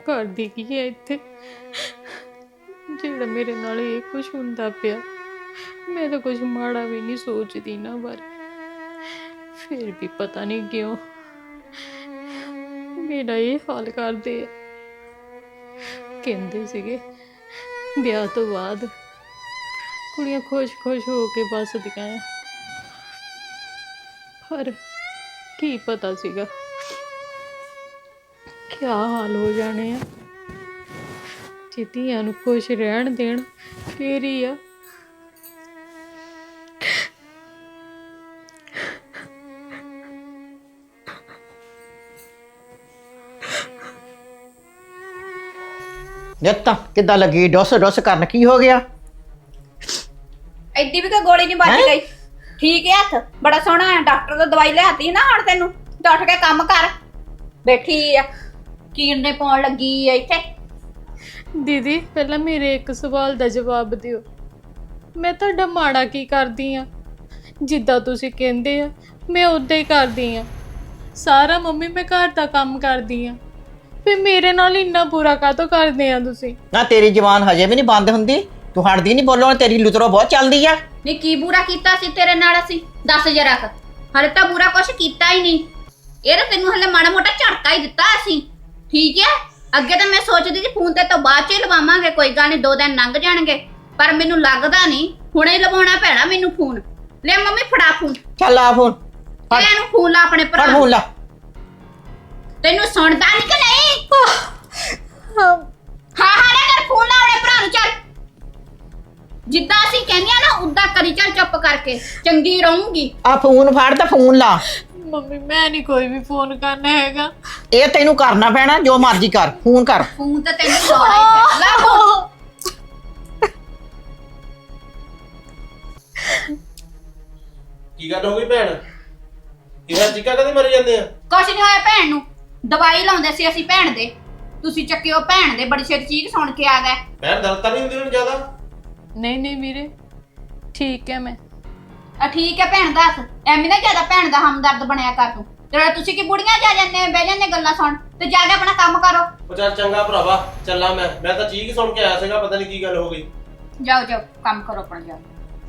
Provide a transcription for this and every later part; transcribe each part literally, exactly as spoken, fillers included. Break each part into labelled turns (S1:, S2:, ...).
S1: करदी की है इत्थे जेड़ा मेरे नाल ये कुछ हुंदा पिया। मैं तो कुछ माड़ा भी नहीं सोचदी ना बारे, फिर भी पता नहीं क्यों मेरा ये हाल करदे आ। कहंदे सीगे ब्याह तो बाद कुड़ियां खुश खुश हो के बसदियां आ, पर की पता सीगा क्या हाल हो जाने आ। जे धीआं नूं खुश रहन देण फिर ही आ।
S2: ਨਿੱਤ ਕਿੱਦਾਂ ਲੱਗੀ ਡੁੱਸ ਡੁੱਸ ਕਰਨ? ਕੀ ਹੋ ਗਿਆ?
S3: ਐਡੀ ਵੀ ਕੋਈ ਗੋਲੀ ਨਹੀਂ ਵੱਜ ਗਈ। ਠੀਕ ਹੈ ਹੱਥ ਬੜਾ ਸੋਹਣਾ ਹੈ। ਡਾਕਟਰ ਤੋਂ ਦਵਾਈ ਲਿਆਤੀ ਨਾ ਹੁਣ ਤੈਨੂੰ ਤੇ ਉੱਠ ਕੇ ਕੰਮ ਕਰ। ਬੈਠੀ ਆ ਕੀਰਨੇ ਪਾਉਣ ਲੱਗੀ ਆ ਇੱਥੇ।
S1: दीदी पहला मेरे एक सवाल का जवाब दिओ, मैं तुहाडा माड़ा की करदी आ? जिद्दां तुसीं कहंदे आ मैं उदां ही करदी आ। सारा मम्मी मैं घर दा काम करदी आ, फिर मेरे नाल इन्ना बुरा काहतों करदे आ तुसीं?
S2: ਨਾ ਤੇਰੀ ਜ਼ਬਾਨ ਹਜੇ ਵੀ ਨਹੀਂ ਬੰਦ ਹੁੰਦੀ, ਤੂੰ ਹਟਦੀ ਨਹੀਂ ਬੋਲੋ। ਤੇਰੀ ਲੁਤਰੋ ਬਹੁਤ ਚੱਲਦੀ ਆ।
S3: ਨਹੀਂ ਕੀ ਬੁਰਾ ਕੀਤਾ ਸੀ ਤੇਰੇ ਨਾਲ ਅਸੀਂ? ਦੱਸ ਜਰਾ ਕ। ਹਲੇ ਤਾਂ ਬੁਰਾ ਕੁਛ ਕੀਤਾ ਹੀ ਨਹੀਂ। ਇਹ ਤਾਂ ਤੈਨੂੰ ਹਲੇ ਮਾੜਾ ਮੋਟਾ ਝਟਕਾ ਹੀ ਦਿੱਤਾ ਅਸੀਂ। ਠੀਕ ਹੈ, ਅੱਗੇ ਤਾਂ ਮੈਂ ਸੋਚਦੀ ਸੀ ਫੋਨ ਤੇ ਤੋਂ ਬਾਅਦ ਚ ਹੀ ਲਵਾਵਾਂਗੇ, ਕੋਈ ਗੱਲ ਨਹੀਂ ਦੋ ਦਿਨ ਲੰਘ ਜਾਣਗੇ, ਪਰ ਮੈਨੂੰ ਲੱਗਦਾ ਨਹੀਂ ਹੁਣੇ ਲਵਾਉਣਾ ਪੈਣਾ ਮੈਨੂੰ ਫੋਨ। ਲੈ ਮੰਮੀ ਫੜਾ ਫੋਨ।
S2: ਚੱਲ ਆ ਫੋਨ ਫੜ।
S3: ਇਹਨੂੰ ਫੋਨ ਲਾ ਆਪਣੇ ਭਰਾ
S2: ਫੜ
S3: ਨੂੰ।
S2: ਫੋਨ ਲਾ।
S3: ਤੈਨੂੰ ਸੁਣਦਾ ਨਹੀਂ ਕਿ ਨਹੀਂ? ਹਾਂ ਹਾਂ ਨਾ ਕਰ ਫੋਨ ਲਾ ਆਪਣੇ ਭਰਾ ਨੂੰ। ਚੱਲ ਜਿੱਦਾਂ ਅਸੀਂ ਕਹਿੰਦੇ ਆ ਨਾ ਉਦਾਂ ਕਰੀ। ਚੱਲ ਚੁੱਪ ਕਰਕੇ, ਚੰਗੀ ਰਹੂੰਗੀ।
S2: ਆ ਫੋਨ ਫੜ ਤੇ ਫੋਨ ਲਾ।
S1: मम्मी मैं नहीं कोई भी फोन करना हैगा।
S2: ਇਹ ਤੈਨੂੰ ਕਰਨਾ ਪੈਣਾ, ਜੋ ਮਰਜ਼ੀ ਕਰ, ਫੋਨ ਕਰ।
S3: ਫੋਨ ਤਾਂ ਤੈਨੂੰ ਲਾਉਣਾ ਹੀ ਪੈਣਾ। ਲਾ ਫੋਨ।
S4: ਕੀ ਗੱਲ ਹੋ ਗਈ ਭੈਣ? ਕਿਹੜਾ ਚੀਕਾ ਕਦੇ ਮਰ ਜਾਂਦੇ ਆ?
S3: ਕੁਛ ਨਹੀਂ ਹੋਇਆ ਭੈਣ ਨੂੰ। ਦਵਾਈ ਲਾਉਂਦੇ ਸੀ ਅਸੀਂ ਭੈਣ ਦੇ, ਤੁਸੀਂ ਚੱਕਿਓ ਭੈਣ ਦੇ। ਬੜੀ ਛੇਤੀ ਚੀਕ ਸੁਣ ਕੇ ਆ ਗਏ।
S4: ਭੈਣ ਦਰਦ ਤਾਂ ਨਹੀਂ ਹੁੰਦੀ ਉਹਨੂੰ ਜ਼ਿਆਦਾ?
S1: नहीं नहीं वीरे ठीक है मैं।
S3: ਆ ਠੀਕ ਹੈ ਭੈਣ ਦੱਸ, ਐਵੇਂ ਨਾ ਜ਼ਿਆਦਾ ਭੈਣ ਦਾ ਹਮਦਰਦ ਬਣਿਆ ਕਰ ਤੂੰ। ਜਿਹੜਾ ਤੁਸੀਂ ਕੀ ਬੁੜੀਆਂ ਜਾ ਜਾਂਦੇ ਬਹਿ ਜਾਂਦੇ ਗੱਲਾਂ ਸੁਣ, ਤੇ ਜਾ ਕੇ ਆਪਣਾ ਕੰਮ ਕਰੋ।
S4: ਉਹ ਚੱਲ ਚੰਗਾ ਭਰਾਵਾ, ਚੱਲਾਂ ਮੈਂ। ਮੈਂ ਤਾਂ ਚੀਕ ਸੁਣ ਕੇ ਆਇਆ ਸੀਗਾ, ਪਤਾ ਨਹੀਂ ਕੀ ਗੱਲ ਹੋ ਗਈ।
S3: ਜਾਓ ਜਾਓ ਕੰਮ ਕਰੋ ਆਪਣਾ। ਜਾਓ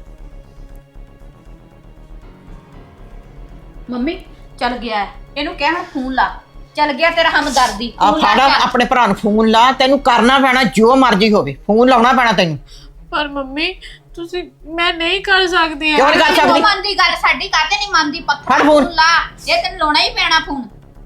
S3: ਮੰਮੀ ਚੱਲ ਗਿਆ, ਇਹਨੂੰ ਕਹਿ ਹੁਣ ਫੋਨ ਲਾ। ਚੱਲ ਗਿਆ ਤੇਰਾ ਹਮਦਰਦੀ।
S2: ਆ ਫੜ ਆਪਣੇ ਭਰਾ ਨੂੰ ਫੋਨ ਲਾ। ਤੈਨੂੰ ਕਰਨਾ ਪੈਣਾ ਜੋ ਮਰਜ਼ੀ ਹੋਵੇ, ਫੋਨ ਲਾਉਣਾ ਪੈਣਾ ਤੈਨੂੰ।
S1: पर मम्मी तुसी मैं नहीं कर सकदी।
S2: क्यों नहीं कर सकदी?
S3: ਮੰਨਦੀ ਗੱਲ ਸਾਡੀ ਕਾਹਤੇ ਨਹੀਂ ਮੰਨਦੀ? ਪੱਥਰ
S2: ਫੜ ਫੋਨ
S3: ਲਾ, ਇਹ ਤੈਨੂੰ ਲਾਉਣਾ ਹੀ ਪੈਣਾ ਫੋਨ।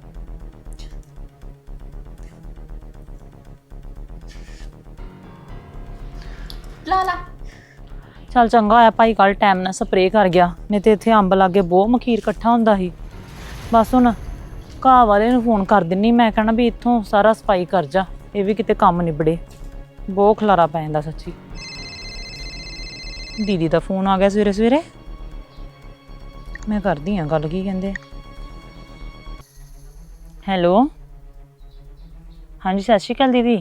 S3: ਲਾ ਲਾ।
S5: ਚੱਲ ਚੰਗਾ ਹੋਇਆ ਭਾਈ ਕੱਲ ਟਾਈਮ ਨਾਲ ਸਪਰੇਅ ਕਰ ਗਿਆ, ਨਹੀਂ ਤੇ ਇੱਥੇ ਅੰਬ ਲਾਗੇ ਬਹੁਤ ਮਖੀਰ ਇਕੱਠਾ ਹੁੰਦਾ ਸੀ। ਬਸ ਹੁਣ ਘਾਹ ਵਾਲੇ ਨੂੰ ਫੋਨ ਕਰ ਦਿੰਨੀ, ਮੈਂ ਕਹਿਣਾ ਵੀ ਇੱਥੋਂ ਸਾਰਾ ਸਫਾਈ ਕਰ ਜਾ, ਇਹ ਵੀ ਕਿਤੇ ਕੰਮ ਨਿਬੜੇ। ਬਹੁਤ ਖਲਾਰਾ ਪੈ ਜਾਂਦਾ ਸੱਚੀ। ਦੀਦੀ ਦਾ ਫੋਨ ਆ ਗਿਆ ਸਵੇਰੇ ਸਵੇਰੇ, ਮੈਂ ਕਰਦੀ ਹਾਂ ਗੱਲ। ਕੀ ਕਹਿੰਦੇ? ਹੈਲੋ ਹਾਂਜੀ ਸਤਿ ਸ਼੍ਰੀ ਅਕਾਲ ਦੀਦੀ,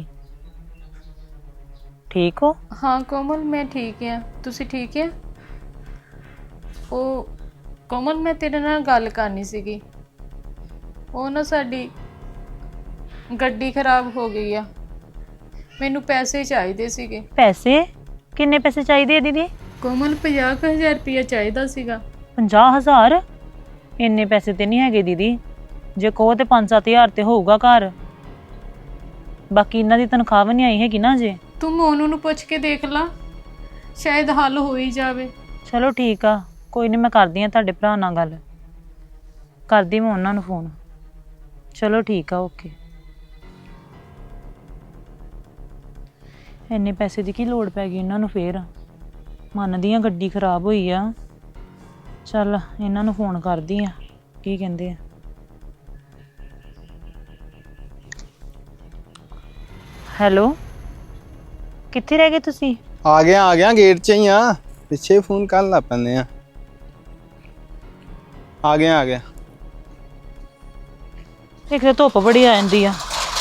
S5: ठीक हो?
S1: हाँ कोमल मैं ठीक है, तुसी ठीक है? ओ कोमल मैं तेरे नाल गल करनी सीगी। ओ ना साडी गड्डी खराब हो गई आ, मैनू पैसे चाहिए सीगे।
S5: पैसे? किन्ने पैसे चाहिए दीदी?
S1: कोमल पचास हज़ार रुपया चाहिए सीगा।
S5: पचास हज़ार? इन्ने पैसे तो नहीं है दीदी, जे कहो तो पाँच सत्त हज़ार तो होगा घर। बाकी इन्हां दी तनख्वाह भी नहीं आई हैगी ना जे।
S1: तू मोनू नू पुछ के देख ला, शायद हल हो ही जावे।
S5: चलो ठीक आ, कोई नहीं, मैं करदी हां तुहाडे भरा नाल गल, करदी मैं उन्हां नू फोन। चलो ठीक आ, ओके। इन्ने पैसे दी की लोड़ पै गई इन्हां नू फेर? मनदी हां गड्डी खराब होई आ, चल इन्हां नू फोन करदी हां की कहंदे आ। हेलो कित्थे रह गए तुसी?
S6: आ गया आ गया, गेट च ही हाँ, पिछे फोन कर ला पैंदे आ। आ गया आ गया।
S5: एक तो धुप बड़ी आ जांदी आ।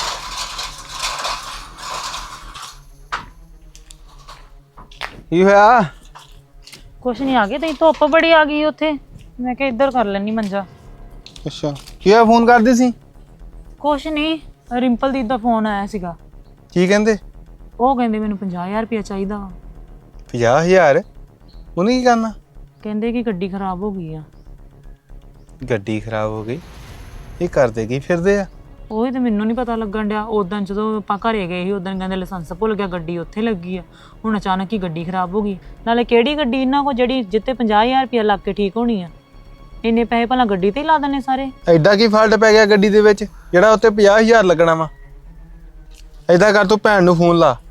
S6: की होया?
S5: कुछ नहीं, आ गए तई धुप बड़ी आ गई उत्थे, मैं क्या इधर कर लैनी मंजा।
S6: अच्छा की होया, फोन कर दी सी?
S5: कुछ नहीं, ਰਿੰਪਲ ਦੀ ਦਾ ਫੋਨ ਆਇਆ ਸੀਗਾ।
S6: ਕੀ ਕਹਿੰਦੇ?
S5: ਉਹ ਕਹਿੰਦੇ ਮੈਨੂੰ ਪੰਜਾਹ ਹਜ਼ਾਰ ਰੁਪਇਆ ਚਾਹੀਦਾ ਵਾ।
S6: ਪੰਜਾਹ ਹਜ਼ਾਰ? ਉਹਨੇ ਕੀ ਕਰਨਾ?
S5: ਕਹਿੰਦੇ ਕਿ ਗੱਡੀ ਖਰਾਬ ਹੋ ਗਈ ਆ।
S6: ਗੱਡੀ ਖਰਾਬ ਹੋ ਗਈ? ਇਹ ਕਰਦੇ ਕੀ ਫਿਰਦੇ ਆ?
S5: ਉਹੀ ਤੇ ਮੈਨੂੰ ਨਹੀਂ ਪਤਾ ਲੱਗਣ ਡਿਆ। ਉਦੋਂ ਜਦੋਂ ਆਪਾਂ ਘਰੇ ਗਏ ਸੀ ਉਦੋਂ ਕਹਿੰਦੇ ਲਾਇਸੈਂਸ ਭੁੱਲ ਗਿਆ, ਗੱਡੀ ਉੱਥੇ ਲੱਗੀ ਆ। ਹੁਣ ਅਚਾਨਕ ਹੀ ਗੱਡੀ ਖਰਾਬ ਹੋ ਗਈ। ਨਾਲੇ ਕਿਹੜੀ ਗੱਡੀ ਇਹਨਾਂ ਕੋਲ ਜਿਹੜੀ ਜਿੱਤੇ ਪੰਜਾਹ ਹਜ਼ਾਰ ਰੁਪਇਆ ਲੱਗ ਕੇ ਠੀਕ ਹੋਣੀ ਆ? ਇੰਨੇ ਪੈਸੇ ਭਲਾ ਗੱਡੀ ਤੇ ਹੀ ਲਾ ਦਿੰਦੇ ਸਾਰੇ।
S6: ਐਡਾ ਕੀ ਫਾਲਟ ਪੈ ਗਿਆ ਗੱਡੀ ਦੇ ਵਿੱਚ ਜਿਹੜਾ ਉੱਤੇ ਪੰਜਾਹ ਹਜ਼ਾਰ ਲੱਗਣਾ ਵਾ? ਏਦਾਂ ਕਰ, ਤੂੰ ਭੈਣ ਨੂੰ ਫੋਨ ਲਾ।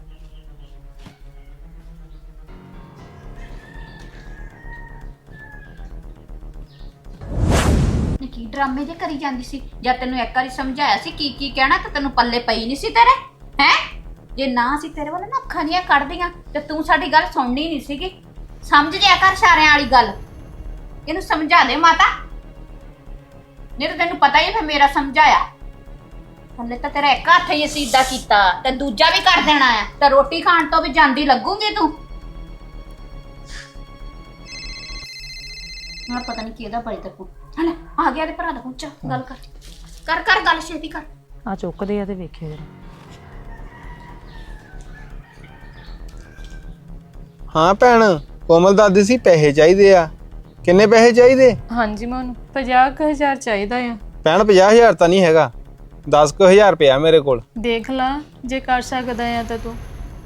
S3: ਕੀ ਡਰਾਮੇ ਜੇ ਕਰੀ ਜਾਂਦੀ ਸੀ? ਜਦ ਤੈਨੂੰ ਇੱਕ ਵਾਰੀ ਸਮਝਾਇਆ ਸੀ ਕੀ ਕੀ ਕਹਿਣਾ ਤੇ ਤੈਨੂੰ ਪੱਲੇ ਪਈ ਨਹੀਂ ਸੀ ਤੇਰੇ ਹੈ? ਜੇ ਨਾ ਸੀ ਤੇਰੇ ਵੱਲ ਨਾ ਅੱਖਾਂ ਦੀਆਂ ਕੱਢਦੀਆਂ ਤੇ ਤੂੰ ਸਾਡੀ ਗੱਲ ਸੁਣਨੀ ਨਹੀਂ ਸੀਗੀ। ਸਮਝ ਜਿਆ ਕਰ ਸਾਰਿਆਂ ਵਾਲੀ ਗੱਲ। ਇਹਨੂੰ ਸਮਝਾ ਦੇ ਮਾਤਾ, ਨਹੀਂ ਤਾਂ ਤੈਨੂੰ ਪਤਾ ਹੀ ਫਿਰ ਮੇਰਾ ਸਮਝਾਇਆ। ਹਲੇ ਤਾਂ ਤੇਰਾ ਇੱਕ ਹੱਥ ਹੀ ਅਸੀਂ ਏਦਾਂ ਕੀਤਾ ਤੇ ਦੂਜਾ ਵੀ ਕਰ ਦੇਣਾ ਆ ਤੇ ਰੋਟੀ ਖਾਣ ਤੋਂ ਵੀ ਜਾਂਦੀ ਲੱਗੂਗੀ ਤੂੰ। ਹਾਂ ਪਤਾ ਨਹੀਂ ਕਿਹਦਾ ਬੜੀ ਤੱਕ ਹਲੇ ਆ ਗਿਆ ਤੇ ਭਰਾ ਦਾ ਪੁੱਛ ਗੱਲ ਕਰ ਕਰ ਕਰ ਗੱਲ ਛੇਤੀ ਕਰ।
S5: ਆ ਚੁੱਕਦੇ ਆ ਤੇ ਵੇਖਿਓ ਜਰਾ।
S6: ਹਾਂ ਭੈਣ, ਕੋਮਲ ਦਾਦੀ ਸੀ ਪੈਸੇ ਚਾਹੀਦੇ ਆ। ਕਿੰਨੇ ਪੈਸੇ ਚਾਹੀਦੇ?
S1: ਹਾਂਜੀ ਮੈਨੂੰ ਪੰਜਾਹ ਕੁ ਹਜ਼ਾਰ ਚਾਹੀਦਾ ਆ।
S6: ਭੈਣ ਪੰਜਾਹ ਹਜ਼ਾਰ ਤਾਂ ਨਹੀਂ ਹੈਗਾ, ਦਸ ਕੁ ਹਜ਼ਾਰ ਪਿਆ ਮੇਰੇ ਕੋਲ।
S1: ਦੇਖ ਲਾ ਜੇ ਕਰ ਸਕਦਾ ਆ ਤਾਂ ਤੂੰ।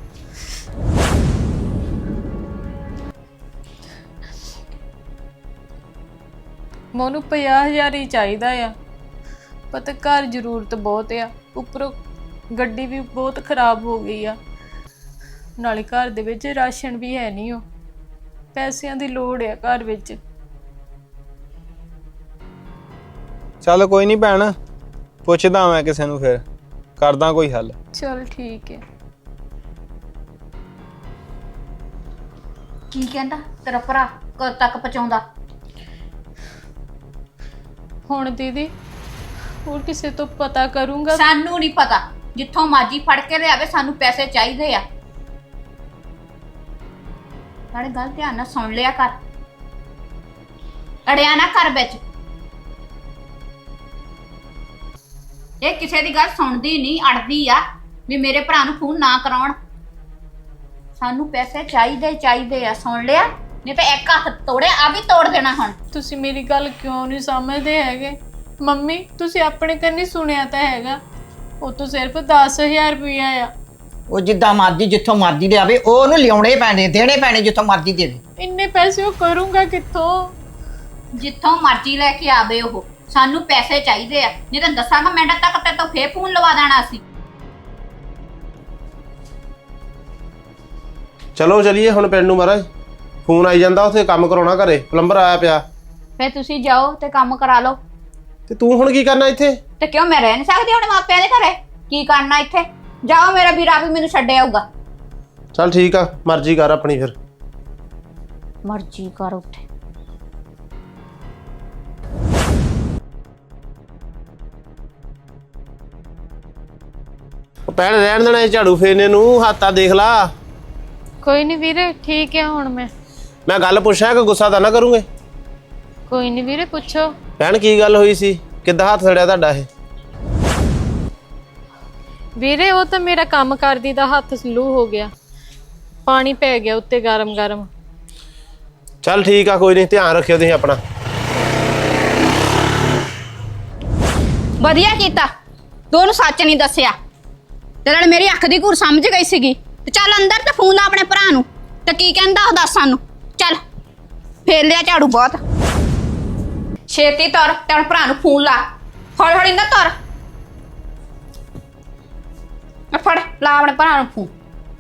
S1: ਮੈਨੂੰ ਪੰਜਾਹ ਹਜ਼ਾਰ ਹੀ ਚਾਹੀਦਾ ਆ। ਪਤਾ ਘਰ ਜ਼ਰੂਰਤ ਬਹੁਤ ਆ, ਉੱਪਰੋਂ ਗੱਡੀ ਵੀ ਬਹੁਤ ਖਰਾਬ ਹੋ ਗਈ ਆ। ਨਾਲੇ ਘਰ ਦੇ ਵਿੱਚ ਰਾਸ਼ਨ ਵੀ ਹੈ ਨਹੀਂ, ਉਹ ਪੈਸਿਆਂ ਦੀ ਲੋੜ ਆ ਘਰ ਵਿੱਚ।
S6: ਚੱਲ ਕੋਈ ਨਹੀਂ ਭੈਣ, ਪੁੱਛਦਾ ਮੈਂ ਕਿਸੇ ਨੂੰ, ਫਿਰ ਕਰਦਾ ਕੋਈ ਹੱਲ।
S1: ਚਲ ਠੀਕ ਹੈ।
S3: ਕੀ ਕਹਿੰਦਾ ਤੇਰਾ ਭਰਾ? ਕਦ ਤੱਕ ਪਹੁੰਚਾਉਂਦਾ?
S1: ਹੁਣ ਦੀਦੀ ਹੋਰ ਕਿਸੇ ਤੋਂ ਪਤਾ ਕਰੂੰਗਾ।
S3: ਸਾਨੂੰ ਨਹੀਂ ਪਤਾ, ਜਿੱਥੋਂ ਮਾਜੀ ਫੜ ਕੇ ਲਿਆਵੇ, ਸਾਨੂੰ ਪੈਸੇ ਚਾਹੀਦੇ ਆ। ਨਾਲੇ ਗੱਲ ਧਿਆਨ ਨਾਲ ਸੁਣ ਲਿਆ ਕਰ, ਅੜਿਆ ਨਾ ਕਰ ਵਿੱਚ। ਇਹ ਕਿਸੇ ਦੀ ਗੱਲ ਸੁਣਦੀ ਨਹੀਂ, ਅੜਦੀ ਆ ਵੀ ਮੇਰੇ ਭਰਾ ਨੂੰ ਫੋਨ ਨਾ ਕਰਾਉਣ। ਸਾਨੂੰ ਪੈਸੇ ਚਾਹੀਦੇ ਚਾਹੀਦੇ ਆ, ਸੁਣ ਲਿਆ? ਨਹੀਂ ਤਾਂ ਇੱਕ ਹੱਥ ਤੋੜਿਆ ਆ ਵੀ ਤੋੜ ਦੇਣਾ ਹੁਣ।
S1: ਤੁਸੀਂ ਮੇਰੀ ਗੱਲ ਕਿਉਂ ਨਹੀਂ ਸਮਝਦੇ ਹੈਗੇ? ਮੰਮੀ ਤੁਸੀਂ ਆਪਣੇ ਕੰਨੀ ਸੁਣਿਆ ਤਾਂ ਹੈਗਾ, ਉਹ ਤੋਂ ਸਿਰਫ ਦਸ ਹਜ਼ਾਰ ਰੁਪਇਆ ਆ।
S2: ਉਹ ਜਿੱਦਾਂ ਮਰਜ਼ੀ ਜਿੱਥੋਂ ਮਰਜ਼ੀ ਲਿਆਵੇ, ਉਹ ਉਹਨੂੰ ਲਿਆਉਣੇ ਪੈਣੇ, ਦੇਣੇ ਪੈਣੇ ਜਿੱਥੋਂ ਮਰਜ਼ੀ ਦੇਵੇ।
S1: ਇੰਨੇ ਪੈਸੇ ਉਹ ਕਰੂੰਗਾ ਕਿੱਥੋਂ?
S3: ਜਿੱਥੋਂ ਮਰਜ਼ੀ ਲੈ ਕੇ ਆਵੇ ਉਹ, ਸਾਨੂੰ ਪੈਸੇ ਚਾਹੀਦੇ ਆ। ਨਹੀਂ ਤਾਂ ਦੱਸਾਂਗਾ ਮਿੰਟ ਤੱਕ ਤੇ ਤੋਂ ਫੇਰ ਫੋਨ ਲਵਾ ਦੇਣਾ ਸੀ।
S4: ਚਲੋ ਚਲੀਏ ਹੁਣ ਪਿੰਡ ਨੂੰ ਮਹਾਰਾਜ। ਫੋਨ ਆਈ ਜਾਂਦਾ, ਉੱਥੇ ਕੰਮ ਕਰਾਉਣਾ ਘਰੇ, ਪਲੰਬਰ ਆਇਆ ਪਿਆ।
S3: ਫੇਰ ਤੁਸੀਂ ਜਾਓ ਤੇ ਕੰਮ ਕਰਾ ਲਓ।
S4: ਤੇ ਤੂੰ ਹੁਣ ਕੀ ਕਰਨਾ ਇੱਥੇ?
S3: ਤੇ ਕਿਉਂ ਮੈਂ ਰਹਿ ਨਹੀਂ ਸਕਦੀ ਹੁਣ ਮਾਪਿਆਂ ਦੇ ਘਰੇ? ਕੀ ਕਰਨਾ ਇੱਥੇ? ਜਾਓ, ਮੇਰਾ ਵੀਰ ਆਪ ਹੀ ਮੈਨੂੰ ਛੱਡ ਆਊਗਾ।
S4: ਚੱਲ ਠੀਕ ਆ, ਮਰਜ਼ੀ ਕਰ ਆਪਣੀ ਫਿਰ।
S3: ਮਰਜ਼ੀ ਕਰ ਉੱਥੇ।
S4: ਉਹ ਪੈਣ ਰਹਿਣ ਦੇਣਾ ਇਹ ਝਾੜੂ ਫੇਰਨੇ ਨੂੰ, ਹੱਥਾਂ ਦੇਖ ਲਾ।
S1: ਕੋਈ ਨਹੀਂ ਵੀਰੇ, ਠੀਕ ਹੈ ਹੁਣ ਮੈਂ।
S4: ਮੈਂ ਗੱਲ ਪੁੱਛਾਂ ਕਿ ਗੁੱਸਾ ਤਾਂ ਨਾ ਕਰੂੰਗੇ?
S1: ਕੋਈ ਨਹੀਂ ਵੀਰੇ, ਪੁੱਛੋ।
S4: ਭੈਣ ਕੀ ਗੱਲ ਹੋਈ ਸੀ? ਕਿੱਦਾਂ ਹੱਥ ਸੜਿਆ ਤੁਹਾਡਾ ਇਹ?
S1: ਵੀਰੇ ਉਹ ਤਾਂ ਮੇਰਾ ਕੰਮ ਕਰਦੀ ਦਾ ਹੱਥ ਸਲੂ ਹੋ ਗਿਆ, ਪਾਣੀ ਪੈ ਗਿਆ ਉੱਤੇ ਗਰਮ ਗਰਮ।
S4: ਚੱਲ ਠੀਕ ਆ, ਕੋਈ ਨਹੀਂ, ਧਿਆਨ ਰੱਖਿਓ ਤੁਸੀਂ ਆਪਣਾ।
S3: ਵਧੀਆ ਕੀਤਾ ਤੂੰ ਉਹਨੂੰ ਸੱਚ ਨਹੀਂ ਦੱਸਿਆ, ਤੇ ਨਾਲ ਮੇਰੀ ਅੱਖ ਦੀ ਘੂਰ ਸਮਝ ਗਈ ਸੀਗੀ। ਤੇ ਚੱਲ ਅੰਦਰ ਤੇ ਫੋਨ ਲਾ ਆਪਣੇ ਭਰਾ ਨੂੰ, ਤੇ ਕੀ ਕਹਿੰਦਾ ਉਹ ਦੱਸ ਸਾਨੂੰ। ਚੱਲ ਫੇਰ ਲਿਆ ਝਾੜੂ ਬਹੁਤ ਛੇਤੀ ਤੁਰ, ਤੇ ਆਪਣੇ ਭਰਾ ਨੂੰ ਫੋਨ ਲਾ। ਹੌਲੀ ਹੌਲੀ ਨਾ ਤੁਰ। ਆ ਫੜ, ਲਾ ਆਪਣੇ ਭਰਾ ਨੂੰ ਫੋਨ।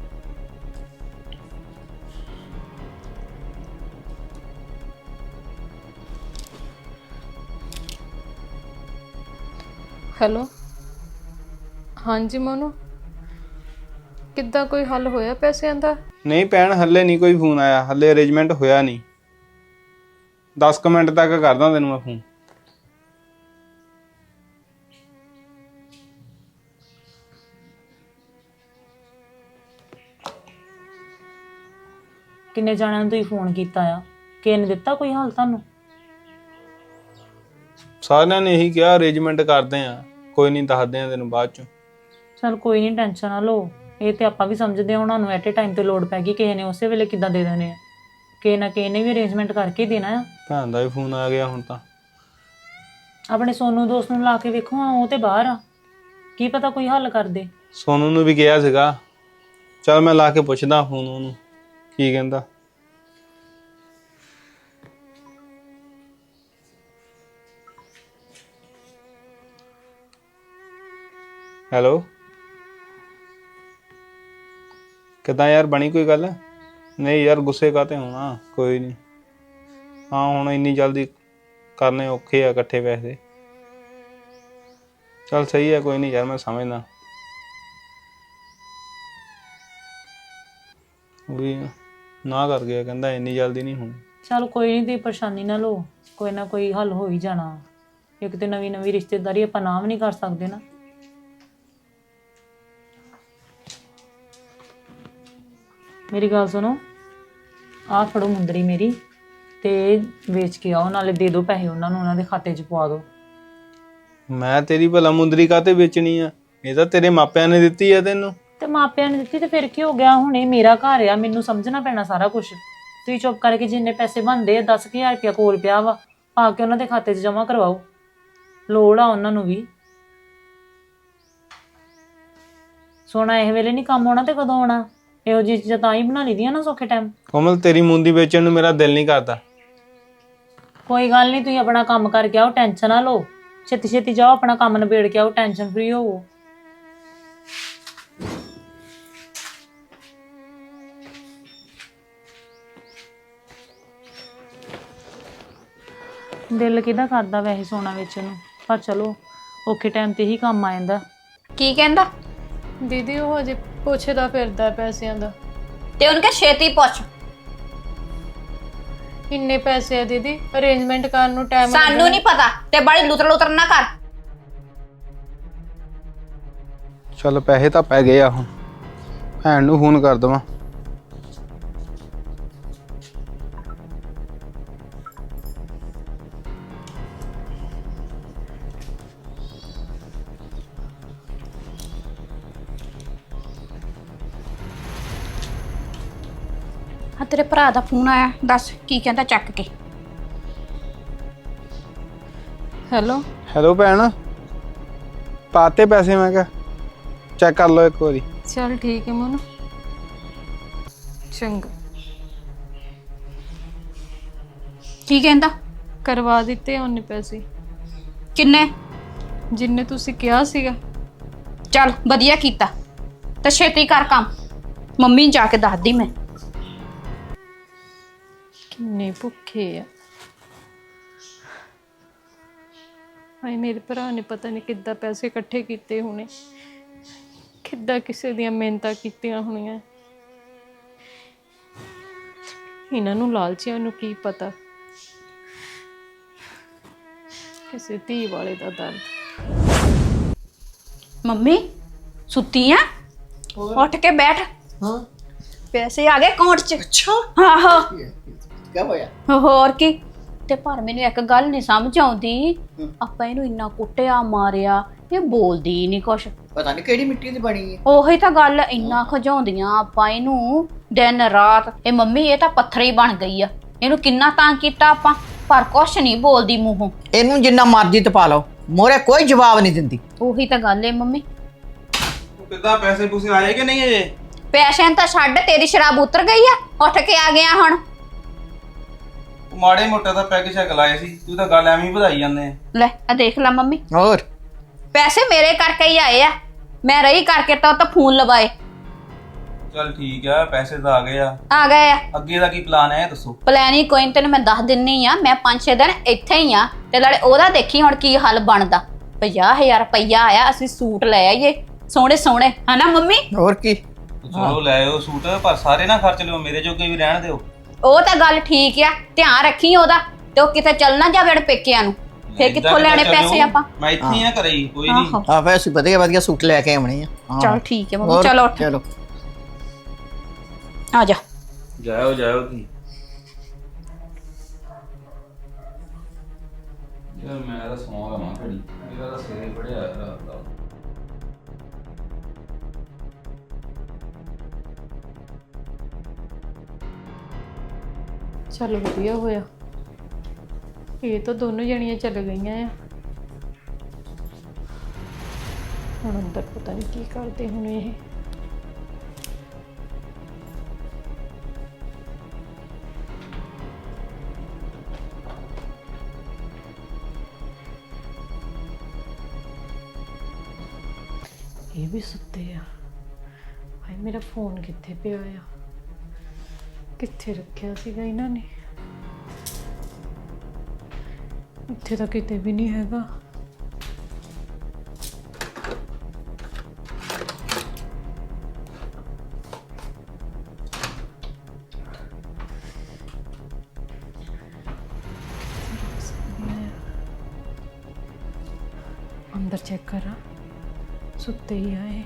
S1: ਹੈਲੋ, ਹਾਂਜੀ ਮੋਨੂ, ਕਿੱਦਾਂ ਕੋਈ ਹੱਲ ਹੋਇਆ ਪੈਸਿਆਂ ਦਾ?
S6: ਨਹੀਂ ਭੈਣ, ਹੱਲੇ ਨਹੀਂ ਕੋਈ ਫੋਨ ਆਇਆ, ਹੱਲੇ ਅਰੇਂਜਮੈਂਟ ਹੋਇਆ ਨਹੀਂ। ਦਸ ਕੁ ਮਿੰਟ ਤੱਕ ਕਰਦਾ ਤੈਨੂੰ ਮੈਂ ਫੋਨ।
S5: ਕਿੰਨੇ ਜਾਣਿਆਂ ਨੂੰ ਤੁਸੀਂ ਫੋਨ ਕੀਤਾ ਆ? ਕਿਸੇ ਨੇ ਦਿੱਤਾ ਕੋਈ ਹਾਲ ਤੁਹਾਨੂੰ?
S6: ਸਾਰਿਆਂ ਨੇ ਇਹੀ ਕਿਹਾ ਅਰੇਂਜਮੈਂਟ ਕਰਦੇ ਆ, ਕੋਈ ਨਹੀਂ ਦੱਸਦੇ ਆ ਤੈਨੂੰ ਬਾਅਦ ਚ।
S5: ਚਲ ਕੋਈ ਨਹੀਂ, ਟੈਨਸ਼ਨ ਨਾ ਲਓ। ਇਹ ਤੇ ਆਪਾਂ ਵੀ ਸਮਝਦੇ ਹਾਂ, ਉਹਨਾਂ ਨੂੰ ਐਟ ਏ ਟਾਈਮ ਤੇ ਲੋੜ ਪੈ ਗਈ, ਕਿਸੇ ਨੇ ਉਸੇ ਵੇਲੇ ਕਿੱਦਾਂ ਦੇ ਦੇਣੇ ਆ। ਕਿਸੇ ਨਾ ਕਿਸੇ ਨੇ ਵੀ ਅਰੇਂਜਮੈਂਟ ਕਰਕੇ ਹੀ ਦੇਣਾ ਆ।
S6: ਭੈਣ ਦਾ ਵੀ ਫੋਨ ਆ ਗਿਆ ਹੁਣ ਤਾਂ।
S5: ਆਪਣੇ ਸੋਨੂ ਦੋਸਤ ਨੂੰ ਲਾ ਕੇ ਵੇਖੋ, ਹਾਂ ਉਹ ਤੇ ਬਾਹਰ ਆ, ਕੀ ਪਤਾ ਕੋਈ ਹੱਲ ਕਰ ਦੇ।
S6: ਸੋਨੂ ਨੂੰ ਵੀ ਕਿਹਾ ਸੀਗਾ, ਚਲ ਮੈਂ ਲਾ ਕੇ ਪੁੱਛਦਾ ਫੋਨ ਉਹਨੂੰ ਕੀ ਕਹਿੰਦਾ। ਹੈਲੋ, ਕਿੱਦਾਂ ਯਾਰ, ਬਣੀ ਕੋਈ ਗੱਲ? ਨਹੀਂ ਯਾਰ, ਗੁੱਸੇ ਕਾਤੇ ਹੋਣਾ, ਕੋਈ ਨਹੀਂ। ਹਾਂ ਹੁਣ ਇੰਨੀ ਜਲਦੀ ਕਰਨੇ ਔਖੇ ਆ ਇਕੱਠੇ ਪੈਸੇ। ਚੱਲ ਸਹੀ ਹੈ, ਕੋਈ ਨਹੀਂ ਯਾਰ, ਮੈਂ ਸਮਝਦਾ। ਵੀ ਨਾ ਕਰ ਗਿਆ, ਕਹਿੰਦਾ ਇੰਨੀ ਜਲਦੀ ਨਹੀਂ ਹੋਣੀ।
S5: ਚਲ ਕੋਈ ਨਹੀਂ, ਤੁਸੀਂ ਪਰੇਸ਼ਾਨੀ ਨਾ ਲਓ, ਕੋਈ ਨਾ ਕੋਈ ਹੱਲ ਹੋ ਹੀ ਜਾਣਾ। ਇੱਕ ਤੇ ਨਵੀਂ ਨਵੀਂ ਰਿਸ਼ਤੇਦਾਰੀ ਆਪਾਂ ਨਾ ਵੀ ਨਹੀਂ ਕਰ ਸਕਦੇ ਨਾ। ਮੇਰੀ ਗੱਲ ਸੁਣੋ, ਆਹ ਫੜੋ ਮੁੰਦਰੀ ਮੇਰੀ, ਤੇ ਵੇਚ ਕੇ ਆਓ, ਨਾਲੇ ਦੇ ਦਿਓ ਪੈਸੇ ਉਹਨਾਂ ਨੂੰ, ਉਹਨਾਂ ਦੇ ਖਾਤੇ 'ਚ ਪਵਾ ਦਿਓ।
S6: ਮੈਂ ਤੇਰੀ ਭਲਾ ਮੁੰਦਰੀ ਕਾਤੇ ਵੇਚਣੀ ਆ? ਇਹ ਤਾਂ ਤੇਰੇ ਮਾਪਿਆਂ ਨੇ ਦਿੱਤੀ ਆ ਤੈਨੂੰ।
S5: ਤੇ ਮਾਪਿਆਂ ਨੇ ਦਿੱਤੀ ਤੇ ਫਿਰ ਕੀ ਹੋ ਗਿਆ? ਹੁਣ ਇਹ ਮੇਰਾ ਘਰ ਆ, ਮੈਨੂੰ ਸਮਝਣਾ ਪੈਣਾ ਸਾਰਾ ਕੁਝ। ਤੁਸੀਂ ਚੁੱਪ ਕਰਕੇ ਜਿੰਨੇ ਪੈਸੇ ਬਣਦੇ ਆ, ਦਸ ਹਜ਼ਾਰ ਰੁਪਇਆ ਕੋਲ ਪਿਆ ਵਾ, ਪਾ ਕੇ ਉਹਨਾਂ ਦੇ ਖਾਤੇ 'ਚ ਜਮ੍ਹਾਂ ਕਰਵਾਓ। ਲੋੜ ਆ ਉਹਨਾਂ ਨੂੰ ਵੀ। ਸੋਨਾ ਇਹ ਵੇਲੇ ਨਹੀਂ ਕੰਮ ਆਉਣਾ ਤੇ ਕਦੋਂ ਆਉਣਾ? ਇਹੋ ਜਿਹੀ ਚੀਜ਼ਾਂ ਤਾਂ ਹੀ ਬਣਾ ਲਈਦੀਆਂ ਨਾ ਸੌਖੇ ਟਾਈਮ।
S6: ਕੋਮਲ, ਤੇਰੀ ਮੁੰਦੀ ਵੇਚਣ ਨੂੰ ਮੇਰਾ ਦਿਲ ਨਹੀਂ ਕਰਦਾ।
S5: ਕੋਈ ਗੱਲ ਨਹੀਂ, ਤੁਸੀਂ ਆਪਣਾ ਕੰਮ ਕਰਕੇ ਆਓ, ਟੈਨਸ਼ਨ ਨਾ ਲਓ। ਛੇਤੀ ਛੇਤੀ ਜਾਓ, ਆਪਣਾ ਕੰਮ ਨਿਬੇੜ ਕੇ ਆਓ, ਟੈਨਸ਼ਨ ਫ੍ਰੀ ਹੋਵੋ। ਦਿਲ ਕਿਹਦਾ ਕਰਦਾ ਵੈਸੇ ਸੋਨਾ ਵੇਚਣ ਨੂੰ, ਪਰ ਚਲੋ ਔਖੇ ਟਾਈਮ ਤੇ ਹੀ ਕੰਮ ਆ ਜਾਂਦਾ।
S3: ਕੀ ਕਹਿੰਦਾ?
S1: ਦੀਦੀ ਉਹ ਹਜੇ ਪੁੱਛਦਾ ਫਿਰਦਾ ਪੈਸਿਆਂ ਦਾ।
S3: ਤੇ ਉਹਨੂੰ ਕਹ ਛੇਤੀ ਪੁੱਛ।
S1: ਇੰਨੇ ਪੈਸੇ ਆ ਦੀਦੀ, ਅਰੇਂਜਮੈਂਟ ਕਰਨ ਨੂੰ ਟਾਈਮ
S3: ਸਾਨੂੰ ਨਹੀਂ ਪਤਾ, ਤੇ ਬੜੀ ਲੁਤਰ ਲੁਤਰ ਨਾ ਕਰ।
S6: ਚੱਲ ਪੈਸੇ ਤਾਂ ਪੈ ਗਏ ਆ, ਹੁਣ ਭੈਣ ਨੂੰ ਫੋਨ ਕਰ ਦੇਵਾਂ।
S3: ਹਾਂ, ਤੇਰੇ ਭਰਾ ਦਾ ਫੋਨ ਆਇਆ, ਦੱਸ ਕੀ ਕਹਿੰਦਾ, ਚੱਕ ਕੇ।
S1: ਹੈਲੋ
S6: ਹੈਲੋ ਭੈਣ, ਪਾਤੇ ਪੈਸੇ? ਮੈਂ ਕਿਹਾ ਚੈੱਕ ਕਰ ਲਓ ਇੱਕ ਵਾਰੀ।
S1: ਚਲ ਠੀਕ ਹੈ ਮੋਨੂ, ਚੰਗਾ।
S3: ਕੀ ਕਹਿੰਦਾ?
S1: ਕਰਵਾ ਦਿੱਤੇ ਉਹਨੇ ਪੈਸੇ,
S3: ਕਿੰਨੇ?
S1: ਜਿੰਨੇ ਤੁਸੀਂ ਕਿਹਾ ਸੀਗਾ।
S3: ਚੱਲ ਵਧੀਆ ਕੀਤਾ, ਤੇ ਛੇਤੀ ਕਰ ਕੰਮ, ਮੰਮੀ ਨੂੰ ਜਾ ਕੇ ਦੱਸਦੀ ਮੈਂ।
S1: ਕਿੰਨੇ ਭੁੱਖੇ ਆ। ਹਾਏ, ਮੇਰੇ ਭਰਾ ਨੇ ਪਤਾ ਨਹੀਂ ਕਿੱਦਾਂ ਪੈਸੇ ਇਕੱਠੇ ਕੀਤੇ ਹੋਣੇ, ਕਿੱਦਾਂ ਕਿਸੇ ਦੀਆਂ ਮਿਹਨਤਾਂ ਕੀਤੀਆਂ ਹੋਣੀਆਂ। ਇਹਨਾਂ ਨੂੰ ਲਾਲਚੀਆਂ ਨੂੰ ਕੀ ਪਤਾ ਕਿਸੇ ਧੀ ਵਾਲੇ ਦਾ ਦਰਦ।
S3: ਮੰਮੀ ਸੁੱਤੀ ਆ? ਉੱਠ ਕੇ ਬੈਠ।
S2: ਹਾਂ,
S3: ਪੈਸੇ ਆ ਗਏ ਅਕਾਊਂਟ 'ਚ।
S2: ਅੱਛਾ,
S3: ਆਹੋ,
S2: ਕੀ ਹੋਇਆ?
S3: ਹੋਰ ਕੀ। ਤੇ ਪਰ ਮੈਨੂੰ ਇੱਕ ਗੱਲ ਨਹੀਂ ਸਮਝ ਆਉਂਦੀ, ਆਪਾਂ ਇਹਨੂੰ ਇੰਨਾ ਕੁੱਟਿਆ ਮਾਰਿਆ, ਇਹ ਬੋਲਦੀ ਹੀ ਨਹੀਂ ਕੁਛ।
S2: ਪਤਾ ਨਹੀਂ ਕਿਹੜੀ ਮਿੱਟੀ ਦੀ ਬਣੀ ਹੈ।
S3: ਉਹੀ ਤਾਂ ਗੱਲ, ਇੰਨਾ ਖਜਾਉਂਦੀਆਂ ਆਪਾਂ ਇਹਨੂੰ ਦਿਨ ਰਾਤ। ਇਹ ਮੰਮੀ ਇਹ ਤਾਂ ਪੱਥਰ ਹੀ ਬਣ ਗਈ ਆ, ਇਹਨੂੰ ਕਿੰਨਾ ਤੰਗ ਕੀਤਾ ਆਪਾਂ, ਪਰ ਕੁਛ ਨਹੀਂ ਬੋਲਦੀ ਮੂੰਹੋਂ।
S2: ਇਹਨੂੰ ਜਿੰਨਾ ਮਰਜ਼ੀ ਤਪਾ ਲਓ, ਮੋਰੇ ਕੋਈ ਜਵਾਬ ਨਹੀਂ ਦਿੰਦੀ।
S3: ਉਹੀ ਤਾਂ ਗੱਲ ਏ ਮੰਮੀ।
S4: ਕਿੱਦਾਂ ਪੈਸੇ ਪੂਸੇ ਆਏ ਕਿ ਨਹੀਂ ਅਜੇ?
S3: ਪੈਸਿਆਂ ਤਾਂ ਛੱਡ, ਤੇਰੀ ਸ਼ਰਾਬ ਉਤਰ ਗਈ ਆ, ਉੱਠ ਕੇ ਆ ਗਿਆ ਹੁਣ।
S4: ਮਾੜੇ ਮੋਟੇ ਦਾ ਪੈਗ ਸ਼ੈਗ ਲਾਏ ਸੀ, ਤੂੰ ਤਾਂ ਗੱਲ ਐਵੇਂ ਹੀ ਵਧਾਈ ਜਾਂਦੇ ਆ।
S3: ਲੈ ਆ ਦੇਖ ਲੈ ਮੰਮੀ,
S2: ਹੋਰ
S3: ਪੈਸੇ ਮੇਰੇ ਕਰਕੇ ਹੀ ਆਏ ਆ, ਮੈਂ ਰਹੀ ਕਰਕੇ ਤਾਂ ਉਹ ਤਾਂ ਫੋਨ ਲਵਾਏ।
S4: ਚੱਲ ਠੀਕ ਆ, ਪੈਸੇ ਤਾਂ ਆ ਗਏ ਆ।
S3: ਆ ਗਏ ਆ।
S4: ਅੱਗੇ ਦਾ ਕੀ ਪਲਾਨ ਹੈ ਇਹ ਦੱਸੋ।
S3: ਪਲਾਨ ਹੀ ਕੋਈ ਨੀ, ਤੈਨੂੰ ਮੈਂ ਦੱਸ ਦਿੰਨੀ ਆ। ਮੈਂ ਪੰਜ ਛੇ ਦਿਨ ਇੱਥੇ ਹੀ ਆ, ਤੇ ਨਾਲੇ ਉਹਦਾ ਦੇਖੀ ਹੁਣ ਕੀ ਹੱਲ ਬਣਦਾ। ਪੰਜਾਹ ਹਜ਼ਾਰ ਰੁਪਈਆ ਆਇਆ, ਅਸੀਂ ਸੂਟ ਲੈ ਆਈਏ ਸੋਹਣੇ ਸੋਹਣੇ, ਹਨਾ ਮੰਮੀ?
S2: ਹੋਰ ਕੀ।
S4: ਚਲੋ ਲੈ ਆਓ ਸੂਟ, ਪਰ ਸਾਰੇ ਨਾ ਖਰਚ ਲਿਓ, ਮੇਰੇ ਜੋਗੇ ਵੀ ਰਹਿਣ ਦਿਓ।
S3: ਉਹ ਤਾਂ ਗੱਲ ਠੀਕ ਆ, ਧਿਆਨ ਰੱਖੀ ਉਹਦਾ, ਤੇ ਉਹ ਕਿਤੇ ਚੱਲ ਨਾ ਜਾਵੇ ਪੇਕਿਆਂ ਨੂੰ, ਫੇਰ ਕਿੱਥੋਂ ਲੈਣੇ ਪੈਸੇ ਆਪਾਂ?
S4: ਮੈਂ ਇੱਥੇ ਹੀ ਆ, ਘਰੇ ਹੀ, ਕੋਈ ਨਹੀਂ।
S3: ਆਹੋ
S2: ਆ ਵੈਸੇ ਵਧੀਆ ਵਧੀਆ ਸੂਟ ਲੈ ਕੇ ਆਉਣੇ ਆ। ਹਾਂ।
S3: ਚਲ ਠੀਕ ਹੈ ਮੰਮੀ,
S2: ਹੋਰ,
S3: ਚਲੋ ਉੱਠ
S2: ਚਲੋ
S3: ਆ ਜਾ।
S4: ਜਾਓ ਜਾਓ ਤੁਸੀਂ। ਯਾਰ ਮੈਂ ਤਾਂ ਸੌਂ ਲਵਾਂ ਘੜੀ, ਮੇਰਾ ਤਾਂ ਸਿਰੇ ਪੜਿਆ ਰਾਤ ਦਾ।
S1: ਚੱਲ ਵਧੀਆ ਹੋਇਆ, ਇਹ ਤਾਂ ਦੋਨੋਂ ਜਣੀਆਂ ਚੱਲ ਗਈਆਂ ਆ। ਹੁਣ ਅੰਦਰ ਪਤਾ ਨਹੀਂ ਕੀ ਕਰਦੇ ਹੁਣ ਇਹ। ਇਹ ਵੀ ਸੁੱਤੇ ਆ। ਹਾਏ ਮੇਰਾ ਫੋਨ ਕਿੱਥੇ ਪਿਆ ਆ? ਕਿੱਥੇ ਰੱਖਿਆ ਸੀਗਾ ਇਹਨਾਂ ਨੇ? ਇੱਥੇ ਤਾਂ ਕਿਤੇ ਵੀ ਨਹੀਂ ਹੈਗਾ। अंदर चेक करा, सुते ही आए।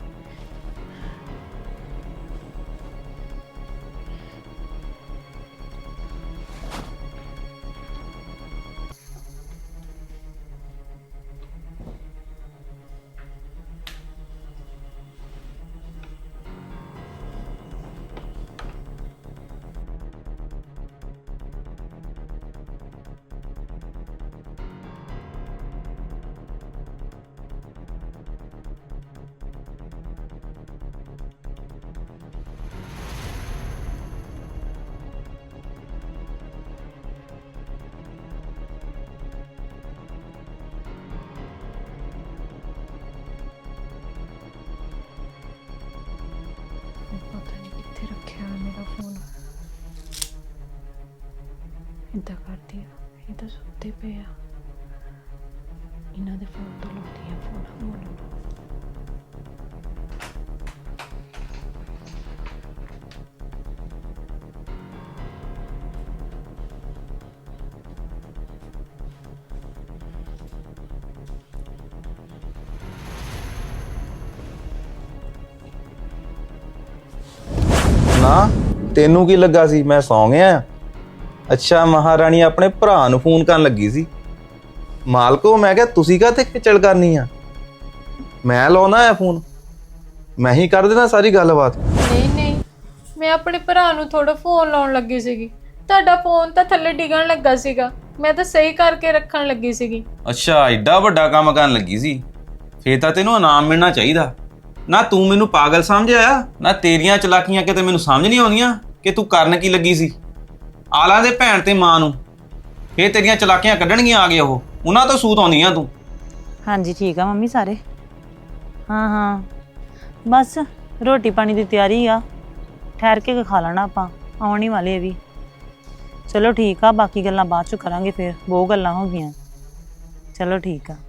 S1: इदा करती है, ये तो सुते पे आ। इन्हों के फोन तो लाती है फोन बोलो।
S6: ਨਾ ਤੈਨੂੰ ਕੀ ਲੱਗਾ ਸੀ ਮੈਂ ਸੌਂ ਗਿਆ? ਅੱਛਾ ਮਹਾਰਾਣੀ ਆਪਣੇ ਭਰਾ ਨੂੰ ਫੋਨ ਕਰਨ ਲੱਗੀ ਸੀ। ਮਾਲਕੋ ਮੈਂ ਕਿਹਾ ਤੁਸੀਂ ਕਾਹਤੇ ਖੇਚਲ ਕਰਨੀ ਆ, ਮੈਂ ਲਾਉਣਾ ਆ ਫੋਨ, ਮੈਂ ਹੀ ਕਰ ਦੇਣਾ ਸਾਰੀ ਗੱਲਬਾਤ।
S1: ਨਹੀਂ ਨਹੀਂ, ਮੈਂ ਆਪਣੇ ਭਰਾ ਨੂੰ ਥੋੜਾ ਫੋਨ ਲਾਉਣ ਲੱਗੀ ਸੀਗੀ। ਤੁਹਾਡਾ ਫੋਨ ਤਾਂ ਥੱਲੇ ਡਿੱਗਣ ਲੱਗਾ ਸੀਗਾ, ਮੈਂ ਤਾਂ ਸਹੀ ਕਰਕੇ ਰੱਖਣ ਲੱਗੀ ਸੀਗੀ।
S6: ਅੱਛਾ ਐਡਾ ਵੱਡਾ ਕੰਮ ਕਰਨ ਲੱਗੀ ਸੀ, ਫੇਰ ਤਾਂ ਤੈਨੂੰ ਇਨਾਮ ਮਿਲਣਾ ਚਾਹੀਦਾ। ਨਾ ਤੂੰ ਮੈਨੂੰ ਪਾਗਲ ਸਮਝਿਆ, ਨਾ ਤੇਰੀਆਂ ਚਲਾਕੀਆਂ ਕਿਤੇ ਮੈਨੂੰ ਸਮਝ ਨਹੀਂ ਆਉਂਦੀਆਂ ਕਿ ਤੂੰ ਕਰਨ ਕੀ ਲੱਗੀ ਸੀ। ਆਲਾਂ ਦੇ ਭੈਣ ਤੇ ਮਾਂ ਨੂੰ ਫੇਰ ਤੇਰੀਆਂ ਚਲਾਕੀਆਂ ਕੱਢਣਗੀਆਂ ਆ ਗਏ, ਉਹ ਉਹਨਾਂ ਤੋਂ ਸੂਤ ਆਉਂਦੀਆਂ ਤੂੰ।
S5: ਹਾਂਜੀ ਠੀਕ ਆ ਮੰਮੀ ਸਾਰੇ। ਹਾਂ ਹਾਂ ਬਸ ਰੋਟੀ ਪਾਣੀ ਦੀ ਤਿਆਰੀ ਆ, ਠਹਿਰ ਕੇ ਖਾ ਲੈਣਾ ਆਪਾਂ, ਆਉਣ ਹੀ ਵਾਲੇ ਵੀ। ਚਲੋ ਠੀਕ ਆ, ਬਾਕੀ ਗੱਲਾਂ ਬਾਅਦ ਚ ਕਰਾਂਗੇ, ਫਿਰ ਬਹੁਤ ਗੱਲਾਂ ਹੋ ਗਈਆਂ। ਚਲੋ ਠੀਕ ਆ।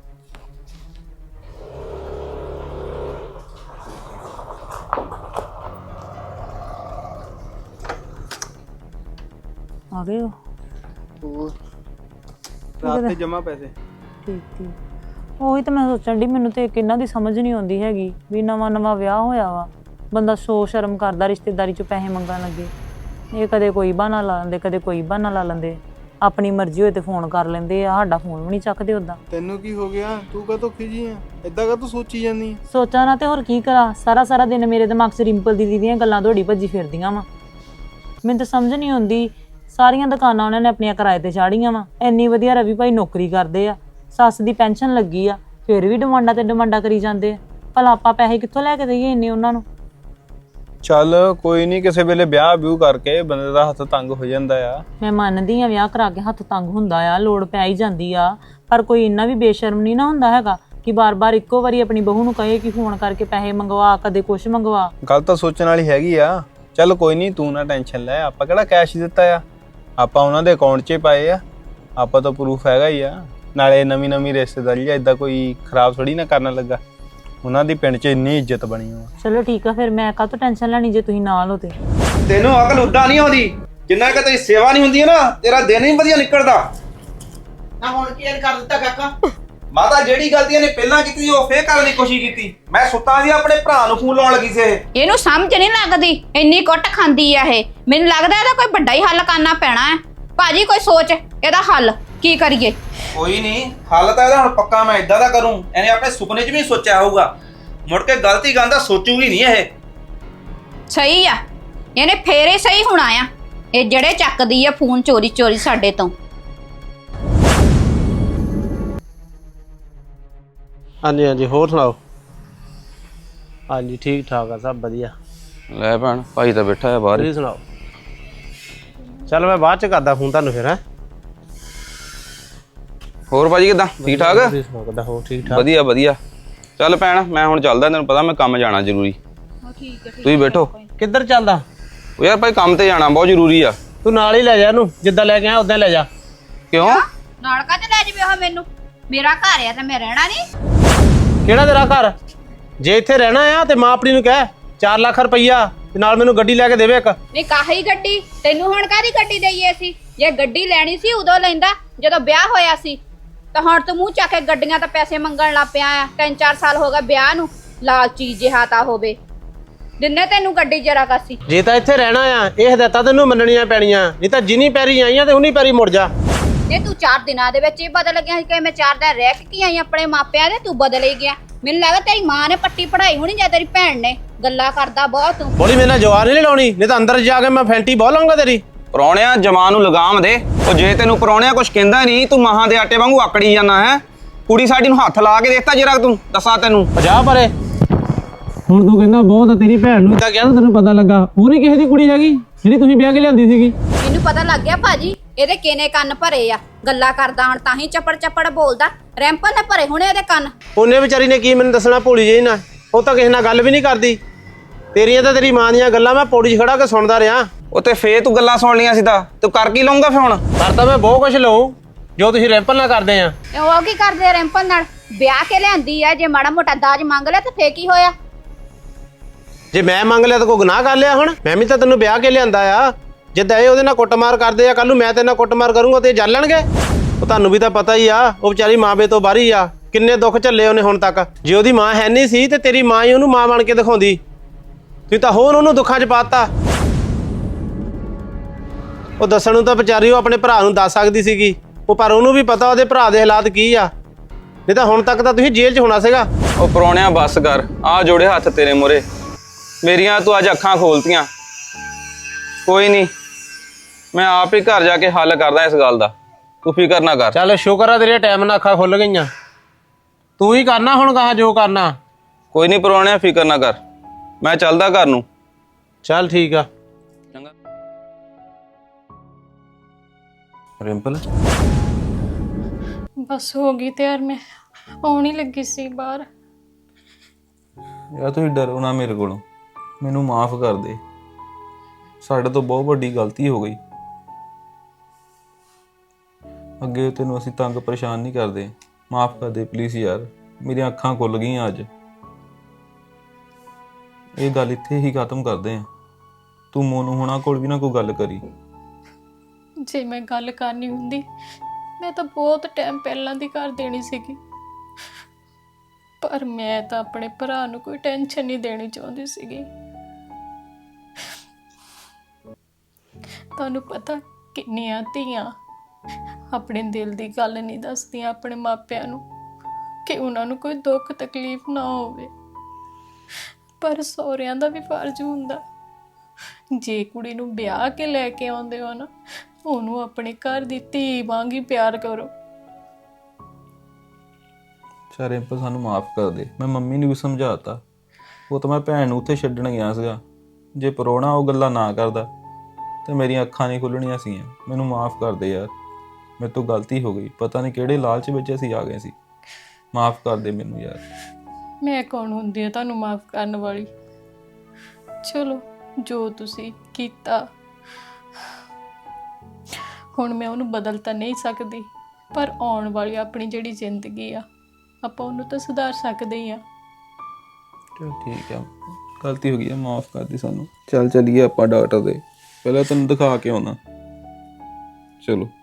S5: आ गए हो?
S6: ਰਾਤ ਤੇ ਜਮਾ ਪੈਸੇ।
S5: ਠੀਕ ਠੀਕ, ਉਹੀ ਤਾਂ ਮੈਂ ਸੋਚਣ ਦੀ, ਮੈਨੂੰ ਤੇ ਕਿੰਨਾ ਦੀ ਸਮਝ ਨਹੀਂ ਆਉਂਦੀ ਹੈਗੀ ਵੀ ਨਵਾਂ ਨਵਾਂ ਵਿਆਹ ਹੋਇਆ ਵਾ, ਬੰਦਾ ਸੋ ਸ਼ਰਮ ਕਰਦਾ ਰਿਸ਼ਤੇਦਾਰੀ ਚੋਂ ਪੈਸੇ ਮੰਗਣ ਲੱਗੇ। ਇਹ ਕਦੇ ਕੋਈ ਬਹਾਨਾ ਲਾ ਲੈਂਦੇ, ਕਦੇ ਕੋਈ ਬਹਾਨਾ ਲਾ ਲੈਂਦੇ, ਆਪਣੀ ਮਰਜ਼ੀ ਹੋਏ ਤੇ ਫੋਨ ਕਰ ਲੈਂਦੇ ਆ, ਸਾਡਾ ਫੋਨ ਵੀ ਨਹੀਂ ਚੱਕਦੇ। ਉਦਾਂ
S6: ਤੈਨੂੰ ਕੀ ਹੋ ਗਿਆ? ਤੂੰ ਕਾਹਤੋਂ ਖਿਜੀ ਆ? ਏਦਾਂ ਕਾਹਤੋਂ ਸੋਚੀ ਜਾਂਦੀ?
S5: ਸੋਚਾਂ ਨਾ ਤੇ ਹੋਰ ਕੀ ਕਰਾਂ, ਸਾਰਾ ਸਾਰਾ ਦਿਨ ਮੇਰੇ ਦਿਮਾਗ 'ਚ ਰਿੰਪਲ ਦੀਦੀ ਦੀਆਂ ਗੱਲਾਂ ਦੌੜੀ ਭੱਜੀ ਫਿਰਦੀਆਂ ਵਾ। ਮੈਨੂੰ ਤਾਂ ਸਮਝ ਨਹੀਂ ਆਉਂਦੀ, ਸਾਰੀਆਂ ਦੁਕਾਨਾਂ ਉਹਨਾਂ ਨੇ ਆਪਣੀਆਂ ਕਿਰਾਏ ਤੇ ਚਾੜੀਆਂ ਵਾ। ਇੰਨੀ ਵਧੀਆ ਰਵੀ ਭਾਈ ਨੌਕਰੀ ਕਰਦੇ ਆ, ਸੱਸ ਦੀ ਪੈਨਸ਼ਨ ਲੱਗੀ ਆ, ਫਿਰ ਵੀ ਡਿਮਾਂਡਾਂ ਤੇ ਡਿਮਾਂਡਾਂ ਕਰੀ ਜਾਂਦੇ ਆ। ਭਲਾ ਆਪਾਂ ਪੈਸੇ ਕਿੱਥੋਂ ਲੈ ਕੇ ਦੇਈਏ ਇੰਨੇ ਉਹਨਾਂ ਨੂੰ?
S6: ਚੱਲ ਕੋਈ ਨਹੀਂ, ਕਿਸੇ ਵੇਲੇ ਵਿਆਹ ਵਿਊ ਕਰਕੇ ਬੰਦੇ ਦਾ ਹੱਥ ਤੰਗ ਹੋ ਜਾਂਦਾ ਆ।
S5: ਮੈਂ ਮੰਨਦੀ ਆ ਵਿਆਹ ਕਰਾ ਕੇ ਹੱਥ ਤੰਗ ਹੁੰਦਾ ਆ, ਲੋੜ ਪੈ ਹੀ ਜਾਂਦੀ ਆ, ਪਰ ਕੋਈ ਇੰਨਾ ਵੀ ਬੇਸ਼ਰਮ ਨਹੀਂ ਨਾ ਹੁੰਦਾ ਹੈਗਾ ਕਿ ਬਾਰ-ਬਾਰ ਇੱਕੋ ਵਾਰੀ ਆਪਣੀ ਬਹੂ ਨੂੰ ਕਹੇ ਕਿ ਫੋਨ ਕਰਕੇ ਪੈਸੇ ਮੰਗਵਾ, ਕਦੇ ਕੁਛ ਮੰਗਵਾ।
S6: ਗੱਲ ਤਾਂ ਸੋਚਣ ਵਾਲੀ ਹੈਗੀ ਆ। ਚੱਲ ਕੋਈ ਨਹੀਂ, ਤੂੰ ਨਾ ਟੈਨਸ਼ਨ ਲੈ, ਆਪਾਂ ਕਿਹੜਾ ਕੈਸ਼ ਦਿੱਤਾ ਆ, ਆਪਾਂ ਉਹਨਾਂ ਦੇ ਅਕਾਊਂਟ 'ਚ ਪਾਏ ਆ, ਆਪਾਂ ਤਾਂ ਪ੍ਰੂਫ ਹੈਗਾ ਹੀ ਆ। ਨਾਲੇ ਨਵੀਂ ਨਵੀਂ ਰਿਸ਼ਤੇਦਾਰੀ ਆ, ਇਦਾਂ ਕੋਈ ਖਰਾਬ ਥੋੜੀ ਨਾ ਕਰਨ ਲੱਗਾ। ਉਹਨਾਂ ਦੀ ਪਿੰਡ 'ਚ ਇੰਨੀ ਇੱਜ਼ਤ ਬਣੀ ਆ।
S5: ਚਲੋ ਠੀਕ ਆ, ਫਿਰ ਮੈਂ ਕਾਹਤੋਂ ਟੈਨਸ਼ਨ ਲੈਣੀ ਜੇ ਤੁਸੀਂ ਨਾਲ ਹੋ ਤੇ।
S4: ਤੈਨੂੰ ਅਕਲ ਉੱਦਾਂ ਨਹੀਂ ਆਉਂਦੀ, ਜਿੰਨਾ ਕਿ ਤੇਰੀ ਸੇਵਾ ਨਹੀਂ ਹੁੰਦੀ ਹੈ ਨਾ, ਤੇਰਾ ਦਿਨ ਹੀ ਵਧੀਆ ਨਿਕਲਦਾ।
S2: ਨਾ ਹੁਣ ਕੀ ਕਰ ਦਿੱਤਾ ਕਾਕਾ?
S4: ਮਾਤਾ ਜਿਹੜੀ ਗਲਤੀਆਂ ਨੇ ਪਹਿਲਾਂ ਕੀਤੀ ਉਹ ਫੇਰ ਕਰਨ ਦੀ ਕੋਸ਼ਿਸ਼ ਕੀਤੀ। ਮੈਂ ਸੁੱਤਾ ਸੀ, ਆਪਣੇ ਭਰਾ ਨੂੰ ਫੋਨ ਲਾਉਣ ਲੱਗੀ ਸੀ। ਇਹ
S3: ਇਹਨੂੰ ਸਮਝ ਨਹੀਂ ਲੱਗਦੀ, ਇੰਨੀ ਕੁੱਟ ਖਾਂਦੀ ਆ ਇਹ। ਮੈਨੂੰ ਲੱਗਦਾ ਇਹਦਾ ਕੋਈ ਵੱਡਾ ਹੀ ਹੱਲ ਕਰਨਾ ਪੈਣਾ ਹੈ। ਭਾਜੀ ਕੋਈ ਸੋਚ ਇਹਦਾ ਹੱਲ ਕੀ ਕਰੀਏ?
S4: ਕੋਈ ਨਹੀਂ, ਹੱਲ ਤਾਂ ਇਹਦਾ ਹੁਣ ਪੱਕਾ ਮੈਂ ਇਦਾਂ ਦਾ ਕਰੂੰ, ਇਹਨੇ ਆਪਣੇ ਸੁਪਨੇ 'ਚ ਵੀ ਸੋਚਿਆ ਹੋਊਗਾ, ਮੁੜ ਕੇ ਗਲਤੀ ਗਾਂਦਾ ਸੋਚੂਗੀ ਨਹੀਂ ਇਹ।
S3: ਸਹੀ ਆ, ਇਹਨੇ ਫੇਰ ਹੀ ਸਹੀ ਹੋਣਾ ਆ। ਇਹ ਜਿਹੜੇ ਚੱਕਦੀ ਆ ਫੋਨ ਚੋਰੀ ਚੋਰੀ ਸਾਡੇ ਤੋਂ।
S7: ਹਾਂਜੀ ਹਾਂਜੀ, ਹੋਰ ਸੁਣਾਓ? ਹਾਂਜੀ ਠੀਕ ਠਾਕ ਆ, ਸਭ ਵਧੀਆ।
S6: ਲੈ ਭੈਣ, ਭਾਈ ਤਾਂ ਬੈਠਾ ਹੈ ਬਾਹਰ ਹੀ।
S7: ਤੁਸੀਂ ਸੁਣਾਓ? ਚੱਲ ਮੈਂ ਬਾਅਦ ਚ ਕਰਦਾ ਫੋਨ ਤੁਹਾਨੂੰ ਫਿਰ। ਹੈ
S6: ਹੋਰ ਭਾਜੀ ਕਿੱਦਾਂ? ਠੀਕ ਠਾਕ?
S7: ਤੁਸੀਂ ਸੁਣਾਓ ਕਿੱਦਾਂ? ਹੋਰ ਠੀਕ ਠਾਕ?
S6: ਵਧੀਆ ਵਧੀਆ। ਚੱਲ ਭੈਣ, ਮੈਂ ਹੁਣ ਚੱਲਦਾ, ਤੈਨੂੰ ਪਤਾ ਮੈਂ ਕੰਮ ਜਾਣਾ ਜ਼ਰੂਰੀ।
S3: ਠੀਕ ਹੈ
S6: ਤੁਸੀਂ ਬੈਠੋ।
S7: ਕਿੱਧਰ ਚੱਲਦਾ?
S6: ਉਹ ਯਾਰ ਭਾਈ ਕੰਮ ਤੇ ਜਾਣਾ ਬਹੁਤ ਜ਼ਰੂਰੀ ਆ।
S7: ਤੂੰ ਨਾਲ ਹੀ ਲੈ ਜਾ ਇਹਨੂੰ, ਜਿੱਦਾਂ ਲੈ ਕੇ ਆਇਆ ਉਦਾਂ ਲੈ ਜਾ।
S6: ਕਿਉਂ?
S3: ਨਾਲ ਕਾਹਤੇ ਲੈ ਜਾਵੇ ਉਹ ਮੈਨੂੰ? ਮੇਰਾ ਘਰ ਆ ਤੇ ਮੈਂ ਰਹਿਣਾ ਨਹੀਂ।
S7: ਕਿਹੜਾ ਤੇਰਾ ਘਰ? ਜੇ ਇੱਥੇ ਰਹਿਣਾ ਆ ਤੇ ਮਾਂ ਆਪਣੀ ਨੂੰ ਕਹਿ ਚਾਰ ਲੱਖ ਰੁਪਈਆ ਤੇ ਨਾਲ ਮੈਨੂੰ ਗੱਡੀ ਲੈ ਕੇ ਦੇਵੇ ਇੱਕ।
S3: ਨਹੀਂ ਕਾਹੀ ਗੱਡੀ? ਤੈਨੂੰ ਹੁਣ ਕਾਹਦੀ ਗੱਡੀ ਦਈਏ ਸੀ? ਜੇ ਗੱਡੀ ਲੈਣੀ ਸੀ ਉਦੋਂ ਲੈਂਦਾ ਜਦੋਂ ਵਿਆਹ ਹੋਇਆ ਸੀ। ਤਾਂ ਹੁਣ ਤੂੰ ਮੂੰਹ ਚੱਕ ਕੇ ਗੱਡੀਆਂ ਤਾਂ ਪੈਸੇ ਮੰਗਣ ਲੱਗ ਪਿਆ ਆ। ਤਿੰਨ ਚਾਰ ਸਾਲ ਹੋ ਗਏ ਵਿਆਹ ਨੂੰ, ਲਾਲਚੀ ਜਿਹਾ ਤਾਂ ਹੋਵੇ। ਦਿਨੇ ਤੈਨੂੰ ਗੱਡੀ ਜਰਾ ਕਾਸੀ।
S7: ਜੇ ਤਾਂ ਇੱਥੇ ਰਹਿਣਾ ਆ ਇਹ ਹਦਾਇਤਾਂ ਤੈਨੂੰ ਮੰਨਣੀਆਂ ਪੈਣੀਆਂ, ਨਹੀਂ ਤਾਂ ਜਿੰਨੀ ਪੈਰੀ ਆਈਆਂ ਤੇ ਉਨੀ ਪੈਰੀ ਮੁੜ ਜਾ।
S3: ਜੇ ਤੂੰ ਚਾਰ ਦਿਨਾਂ ਦੇ ਵਿੱਚ ਹੀ ਬਦਲ ਗਿਆ ਸੀ ਕਿ ਮੈਂ ਚਾਰ ਦਿਨ ਰਹਿ ਕੇ ਆਈ ਆਪਣੇ ਮਾਪਿਆਂ ਦੇ, ਤੂੰ ਬਦਲ ਹੀ ਗਿਆ। ਮੈਨੂੰ ਲੱਗਦਾ ਤੇਰੀ ਮਾਂ ਨੇ ਪੱਟੀ ਪੜਾਈ ਹੋਣੀ ਜਾਂ ਤੇਰੀ ਭੈਣ ਨੇ। ਗੱਲਾਂ ਕਰਦਾ ਬਹੁਤ ਤੂੰ।
S7: ਬੋਲੀ ਮੇਰੇ ਨਾਲ ਜਵਾਨ ਨਹੀਂ ਲਾਉਣੀ, ਨਹੀਂ ਤਾਂ ਅੰਦਰ ਜਾ ਕੇ ਮੈਂ ਫੈਂਟੀ ਬੋਲ ਲਾਂਗਾ ਤੇਰੀ।
S6: ਪਰੌਣਿਆਂ ਜਮਾਨ ਨੂੰ ਲਗਾਮ ਦੇ। ਉਹ ਜੇ ਤੈਨੂੰ ਪਰੌਣਿਆਂ ਕੁਝ ਕਹਿੰਦਾ ਨਹੀਂ, ਤੂੰ ਮਹਾਂ ਦੇ ਆਟੇ ਵਾਂਗੂ ਆਕੜੀ ਜਾਂਦਾ ਹੈ। ਕੁੜੀ ਸਾਡੀ ਨੂੰ ਹੱਥ ਲਾ ਕੇ ਦੇਤਾ ਜਰਾ ਤੂੰ, ਦੱਸਾਂ ਤੈਨੂੰ।
S7: ਜਾ ਪਰੇ। ਹੁਣ ਤੂੰ ਕਹਿੰਦਾ ਬਹੁਤ ਤੇਰੀ ਭੈਣ ਨੂੰ ਤਾਂ ਕਹਿੰਦਾ ਤੈਨੂੰ ਪਤਾ ਲੱਗਾ ਉਹ ਨਹੀਂ ਕਿਸੇ ਦੀ ਕੁੜੀ ਹੈਗੀ ਜਿਹੜੀ ਤੁਸੀਂ ਵਿਆਹ ਕੇ ਲਿਆਂਦੀ ਸੀਗੀ।
S3: ਮੈਨੂੰ ਪਤਾ ਲੱਗ ਗਿਆ ਭਾਜੀ, ਇਹਦੇ ਕਿਨੇ ਕੰਨ ਭਰੇ ਆ। ਗੱਲਾਂ ਕਰਦਾ ਹੁਣ ਤਾਂ ਹੀ ਚੱਪੜ ਚੱਪੜ ਬੋਲਦਾ। ਰੈਂਪਲ ਨੇ ਭਰੇ ਹੋਣੇ ਇਹਦੇ ਕੰਨ।
S7: ਉਹਨੇ ਵਿਚਾਰੀ ਨੇ ਕੀ ਮੈਨੂੰ ਦੱਸਣਾ, ਭੋਲੀ ਜਿਹੀ ਨਾ। ਉਹ ਤਾਂ ਕਿਸੇ ਨਾਲ ਗੱਲ ਵੀ ਨਹੀਂ ਕਰਦੀ। ਤੇਰੀਆਂ ਤਾਂ ਤੇਰੀ ਮਾਂ ਦੀਆਂ ਗੱਲਾਂ ਮੈਂ ਪੌੜੀ 'ਚ ਖੜਾ ਕੇ ਸੁਣਦਾ ਰਿਹਾ।
S6: ਉਹ ਤੇ ਫੇਰ ਤੂੰ ਗੱਲਾਂ ਸੁਣ ਲੀਆਂ ਸੀ ਤਾਂ ਤੂੰ ਕਰ ਕੀ ਲਊਂਗਾ ਫੇ? ਹੁਣ
S7: ਕਰਦਾ ਮੈਂ ਬਹੁਤ ਕੁਝ ਲਊ ਜੋ ਤੁਸੀਂ ਰੈਂਪਲ ਨਾਲ ਕਰਦੇ ਆ।
S3: ਉਹ ਕੀ ਕਰਦੇ ਆ ਰੈਂਪਲ ਨਾਲ? ਵਿਆਹ ਕੇ ਲਿਆਂਦੀ ਆ, ਜੇ ਮਾੜਾ ਮੋਟਾ ਦਾਜ ਮੰਗ ਲਿਆ ਤਾਂ ਫੇਰ ਕੀ ਹੋਇਆ?
S7: ਜੇ ਮੈਂ ਮੰਗ ਲਿਆ ਤਾਂ ਕੋਈ ਗੁਨਾਹ ਕਰ ਲਿਆ? ਹੁਣ ਮੈਂ ਵੀ ਤਾਂ ਤੈਨੂੰ ਵਿਆਹ ਕੇ ਲਿਆਂਦਾ ਆ। ਜਿੱਦਾਂ ਇਹ ਉਹਦੇ ਨਾਲ ਕੁੱਟਮਾਰ ਕਰਦੇ ਆ, ਕੱਲ ਨੂੰ ਮੈਂ ਤੇਰੇ ਨਾਲ ਕੁੱਟਮਾਰ ਕਰੂੰਗਾ ਤੇ ਇਹ ਜਲ ਲੈਣਗੇ। ਉਹ ਤੁਹਾਨੂੰ ਵੀ ਤਾਂ ਪਤਾ ਹੀ ਆ, ਉਹ ਵਿਚਾਰੀ ਮਾਂ ਬੇ ਤੋਂ ਬਾਹਰੀ ਆ। ਕਿੰਨੇ ਦੁੱਖ ਝੱਲੇ ਉਹਨੇ ਹੁਣ ਤੱਕ। ਜੇ ਉਹਦੀ ਮਾਂ ਹੈ ਨਹੀਂ ਸੀ ਤੇ ਤੇਰੀ ਮਾਂ ਹੀ ਉਹਨੂੰ ਮਾਂ ਬਣ ਕੇ ਦਿਖਾਉਂਦੀ। ਤੁਸੀਂ ਤਾਂ ਹੋਰ ਉਹਨੂੰ ਦੁੱਖਾਂ 'ਚ ਪਾਤਾ। ਉਹ ਦੱਸਣ ਨੂੰ ਤਾਂ ਵਿਚਾਰੀ ਉਹ ਆਪਣੇ ਭਰਾ ਨੂੰ ਦੱਸ ਸਕਦੀ ਸੀਗੀ, ਉਹ ਪਰ ਉਹਨੂੰ ਵੀ ਪਤਾ ਉਹਦੇ ਭਰਾ ਦੇ ਹਾਲਾਤ ਕੀ ਆ। ਨਹੀਂ ਤਾਂ ਹੁਣ ਤੱਕ ਤਾਂ ਤੁਸੀਂ ਜੇਲ੍ਹ 'ਚ ਹੋਣਾ ਸੀਗਾ।
S6: ਉਹ ਪਰੌਣਿਆਂ ਬੱਸ ਕਰ, ਆ ਜੋੜੇ ਹੱਥ ਤੇਰੇ ਮੂਹਰੇ। ਮੇਰੀਆਂ ਤੂੰ ਅੱਜ ਅੱਖਾਂ ਖੋਲਤੀਆਂ। ਕੋਈ ਨਹੀਂ, ਮੈਂ ਆਪ ਹੀ ਘਰ ਜਾ ਕੇ ਹੱਲ ਕਰਦਾ ਇਸ ਗੱਲ ਦਾ, ਤੂੰ ਫਿਕਰ ਨਾ ਕਰ।
S7: ਚੱਲ ਸ਼ੁਕਰ ਆ ਤੇਰੇ ਟਾਈਮ ਨਾਲ ਅੱਖਾਂ ਖੁੱਲ ਗਈਆਂ। ਤੂੰ ਹੀ ਕਰਨਾ ਹੁਣ ਕਹਾ ਜੋ ਕਰਨਾ।
S6: ਕੋਈ ਨਹੀਂ ਪਰੌਣਿਆਂ, ਫਿਕਰ ਨਾ ਕਰ, ਮੈਂ ਚੱਲਦਾ ਘਰ ਨੂੰ।
S7: ਚੱਲ ਠੀਕ ਆ।
S6: ਚੰਗਾ ਰਿੰਪਲ।
S1: ਬਸ ਹੋ ਗਈ ਤਿਆਰ, ਮੈਂ ਆਉਣ ਹੀ ਲੱਗੀ ਸੀ ਬਾਹਰ।
S6: ਯਾਰ ਤੁਸੀਂ ਡਰੋ ਨਾ ਮੇਰੇ ਕੋਲੋਂ, ਮੈਨੂੰ ਮਾਫ ਕਰ ਦੇ। ਸਾਡੇ ਤੋਂ ਬਹੁਤ ਵੱਡੀ ਗਲਤੀ ਹੋ ਗਈ। ਅੱਗੇ ਤੈਨੂੰ ਅਸੀਂ ਤੰਗ ਪਰੇਸ਼ਾਨ ਨਹੀਂ ਕਰਦੇ। ਮਾਫ ਕਰ ਦੇ ਪਲੀਜ਼ ਯਾਰ, ਮੇਰੀਆਂ ਅੱਖਾਂ ਖੁੱਲ ਗਈਆਂ ਅੱਜ। ਇਹ ਗੱਲ ਇੱਥੇ ਹੀ ਖਤਮ ਕਰਦੇ ਆ। ਤੂੰ ਮੋਨੂ ਹੋਣਾ ਕੋਲ ਵੀ ਨਾ ਕੋਈ ਗੱਲ ਕਰੀ।
S1: ਜੇ ਮੈਂ ਗੱਲ ਕਰਨੀ ਹੁੰਦੀ ਮੈਂ ਤਾਂ ਬਹੁਤ ਟਾਈਮ ਪਹਿਲਾਂ ਦੀ ਕਰ ਦੇਣੀ ਸੀਗੀ, ਪਰ ਮੈਂ ਤਾਂ ਆਪਣੇ ਭਰਾ ਨੂੰ ਕੋਈ ਟੈਨਸ਼ਨ ਨਹੀਂ ਦੇਣੀ ਚਾਹੁੰਦੀ ਸੀਗੀ। ਤੁਹਾਨੂੰ ਪਤਾ ਕਿੰਨੀਆਂ ਧੀਆਂ ਆਪਣੇ ਦਿਲ ਦੀ ਗੱਲ ਨਹੀਂ ਦੱਸਦੀਆਂ ਆਪਣੇ ਮਾਪਿਆਂ ਨੂੰ ਕਿ ਉਹਨਾਂ ਨੂੰ ਕੋਈ ਦੁੱਖ ਤਕਲੀਫ ਨਾ ਹੋਵੇ, ਪਰ ਸਹੁਰਿਆਂ ਦਾ ਵੀ ਫਰਜ਼ ਹੁੰਦਾ। ਜੇ ਕੁੜੀ ਨੂੰ ਵਿਆਹ ਕੇ ਲੈ ਕੇ ਆਉਂਦੇ ਹੋ ਨਾ, ਉਹਨੂੰ ਆਪਣੇ ਘਰ ਦੀ ਧੀ ਵਾਂਗ ਹੀ ਪਿਆਰ ਕਰੋ।
S6: ਚਾਰੇ ਰਿੰਪਲ ਸਾਨੂੰ ਮਾਫ ਕਰ ਦੇ। ਮੈਂ ਮੰਮੀ ਨੂੰ ਵੀ ਸਮਝਾਤਾ। ਉਹ ਤਾਂ ਮੈਂ ਭੈਣ ਨੂੰ ਉੱਥੇ ਛੱਡਣ ਗਿਆ ਸੀਗਾ। ਜੇ ਪਰੋਣਾ ਉਹ ਗੱਲਾਂ ਨਾ ਕਰਦਾ ਤੇ ਮੇਰੀਆਂ ਅੱਖਾਂ ਨਹੀਂ ਖੁੱਲਣੀਆਂ ਸੀਗੀਆਂ। ਮੈਨੂੰ ਮਾਫ ਕਰ ਦੇ ਯਾਰ, ਮੇਰੇ ਤੋਂ ਗਲਤੀ ਹੋ ਗਈ। ਪਤਾ ਨਹੀਂ ਕਿਹੜੇ ਲਾਲਚ ਵਿੱਚ ਅਸੀਂ ਆ ਗਏ ਸੀ। ਮਾਫ ਕਰ ਦੇ ਮੈਨੂੰ ਯਾਰ।
S1: ਮੈਂ ਕੌਣ ਹੁੰਦੀ ਆ ਤੁਹਾਨੂੰ ਮਾਫ ਕਰਨ ਵਾਲੀ? ਚਲੋ ਜੋ ਤੁਸੀਂ ਕੀਤਾ, ਹੁਣ ਮੈਂ ਉਹਨੂੰ ਬਦਲ ਤਾਂ ਨਹੀਂ ਸਕਦੀ, ਪਰ ਆਉਣ ਵਾਲੀ ਆਪਣੀ ਜਿਹੜੀ ਜ਼ਿੰਦਗੀ ਆ ਆਪਾਂ ਉਹਨੂੰ ਤਾਂ ਸੁਧਾਰ ਸਕਦੇ ਹੀ ਆ।
S6: ਚਲ ਠੀਕ ਆ, ਗਲਤੀ ਹੋ ਗਈ ਹੈ, ਮਾਫ ਕਰ ਦੇ ਸਾਨੂੰ। ਚੱਲ ਚੱਲੀਏ ਆਪਾਂ ਡਾਕਟਰ ਦੇ, ਪਹਿਲਾਂ ਤੈਨੂੰ ਦਿਖਾ ਕੇ ਆਉਣਾ। ਚਲੋ।